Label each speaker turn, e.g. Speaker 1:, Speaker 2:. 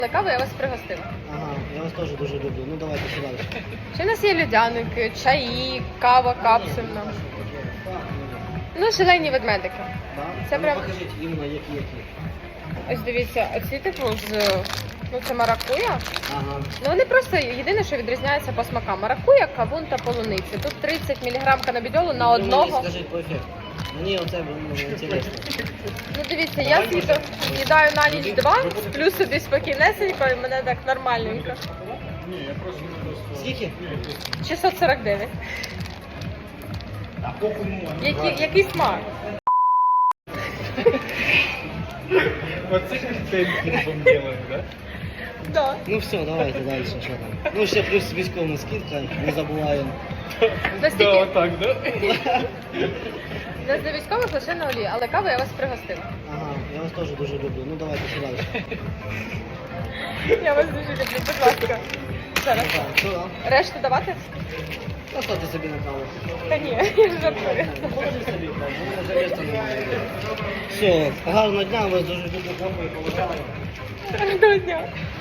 Speaker 1: Каву я вас пригостила.
Speaker 2: Ага, я вас теж дуже люблю. Ну давайте сюди.
Speaker 1: Ще у нас є людяники, чаї, кава капсульна. Ну, шалені ведмедики.
Speaker 2: Да?
Speaker 1: Це
Speaker 2: Ну,
Speaker 1: прям-
Speaker 2: покажіть іменно які.
Speaker 1: Ось дивіться, оці типу з... Ну, це маракуя.
Speaker 2: Ага.
Speaker 1: Ну, вони просто, єдине, що відрізняється по смакам. Маракуя, кавун та полуниця. Тут 30 мг канабідьолу на
Speaker 2: Ви
Speaker 1: одного.
Speaker 2: мені скажіть по ефекту. Мені оце інтересно.
Speaker 1: Ну, дивіться, я з'їдаю на ніч 2, плюс собі спокійнесенько, і мене так нормальненько.
Speaker 2: Скільки?
Speaker 1: 649. Який смак?
Speaker 3: Оце контент делаем, да?
Speaker 1: Да.
Speaker 2: Ну все, давайте далі, що там. Ну ще плюс військова скидка, не забуваємо.
Speaker 1: Настільки...
Speaker 3: Да, так, да?
Speaker 1: У нас для військових лише на олії, але каву я вас пригостила.
Speaker 2: Ага, я вас теж дуже люблю. Ну давайте сюди.
Speaker 1: Я вас дуже люблю, будь ласка. Зараз.
Speaker 2: Так, що там?
Speaker 1: Решту давати?
Speaker 2: Поставте собі на каву.
Speaker 1: Та ні, я жартую.
Speaker 2: Положи собі, так, бо вже місця немає. Все, гарного дня, вас дуже люблю, каву і поважаю.
Speaker 1: Гарного дня.